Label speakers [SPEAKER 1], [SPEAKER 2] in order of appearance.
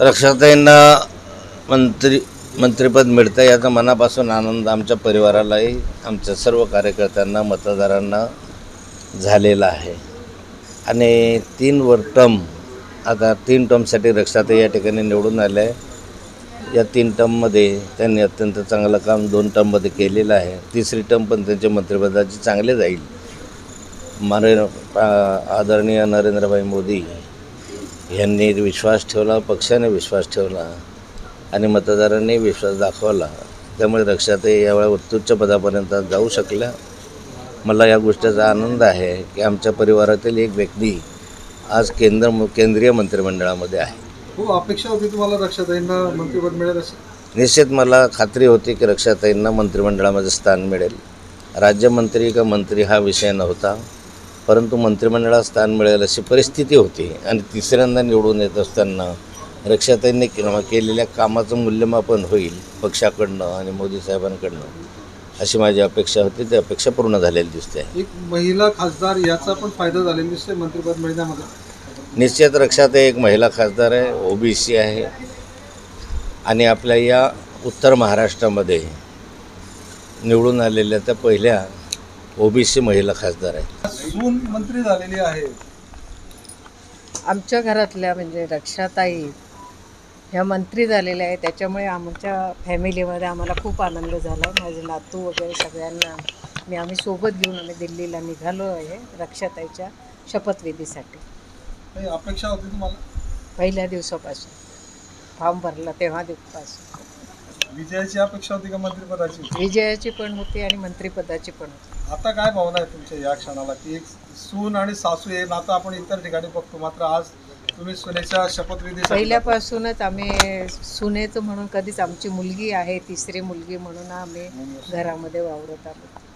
[SPEAKER 1] रक्षाताईंना मंत्रिपद मिळतं याचा मनापासून आनंद आमच्या परिवारालाही, आमच्या सर्व कार्यकर्त्यांना, मतदारांना झालेला आहे. आणि 3 टर्म, आता 3 टर्मसाठी रक्षाताई या ठिकाणी निवडून आल्या आहे. या 3 टर्ममध्ये त्यांनी अत्यंत चांगलं काम 2 टर्ममध्ये केलेलं आहे. 3री टर्म पण त्यांच्या मंत्रिपदाची चांगले जाईल. आदरणीय नरेंद्रभाई मोदी यांनी विश्वास ठेवला, पक्षाने विश्वास ठेवला आणि मतदारांनी विश्वास दाखवला. त्यामुळे रक्षाताई यावेळी उत्तुच्च पदापर्यंत जाऊ शकल्या. मला या गोष्टीचा आनंद आहे की आमच्या परिवारातील एक व्यक्ती आज केंद्रीय मंत्रिमंडळामध्ये आहे.
[SPEAKER 2] खूप अपेक्षा होती तुम्हाला रक्षाताईंना मंत्रिपद मिळेल अशी?
[SPEAKER 1] निश्चित मला खात्री होती की रक्षाताईंना मंत्रिमंडळामध्ये स्थान मिळेल. राज्यमंत्री का मंत्री हा विषय नव्हता, परंतु मंत्रिमंडळात स्थान मिळेल अशी परिस्थिती होती. आणि 3ऱ्यांदा निवडून येत असताना रक्षाताईंनी केलेल्या कामाचं मूल्यमापन होईल पक्षाकडनं आणि मोदी साहेबांकडनं, अशी माझी अपेक्षा होती. ती अपेक्षा पूर्ण झालेली दिसते.
[SPEAKER 2] एक महिला खासदार याचा पण फायदा झालेला दिसतोय मंत्रिपद मिळण्यामध्ये.
[SPEAKER 1] निश्चित रक्षाताई एक महिला खासदार आहे, OBC आहे आणि आपल्या या उत्तर महाराष्ट्रामध्ये निवडून आलेल्या त्या पहिल्या OBC महिला खासदार आहे.
[SPEAKER 2] सून मंत्री झालेली आहे.
[SPEAKER 3] आमच्या घरातल्या म्हणजे रक्षाताई ह्या मंत्री झालेल्या आहे, त्याच्यामुळे आमच्या फॅमिलीमध्ये आम्हाला खूप आनंद झाला. माझे नातू वगैरे सगळ्यांना आम्ही सोबत घेऊन आम्ही दिल्लीला निघालो आहे रक्षाताईच्या शपथविधीसाठी.
[SPEAKER 2] काही अपेक्षा होती तुम्हाला?
[SPEAKER 3] पहिल्या दिवसापासून फॉर्म भरला तेव्हा दिवसापासून
[SPEAKER 2] विजयाची अपेक्षा होती का मंत्रिपदाची?
[SPEAKER 3] विजयाची पण होती आणि मंत्रिपदाची पण होती.
[SPEAKER 2] आता काय भावना आहे तुमच्या या क्षणाला की एक सून आणि सासू हे नातं आपण इतर ठिकाणी बघतो, मात्र आज तुम्ही सुनेच्या शपथविधी
[SPEAKER 3] पहिल्यापासूनच आम्ही सुनेचं म्हणून कधीच आमची मुलगी आहे, 3री मुलगी म्हणून आम्ही घरामध्ये वावरत आलो.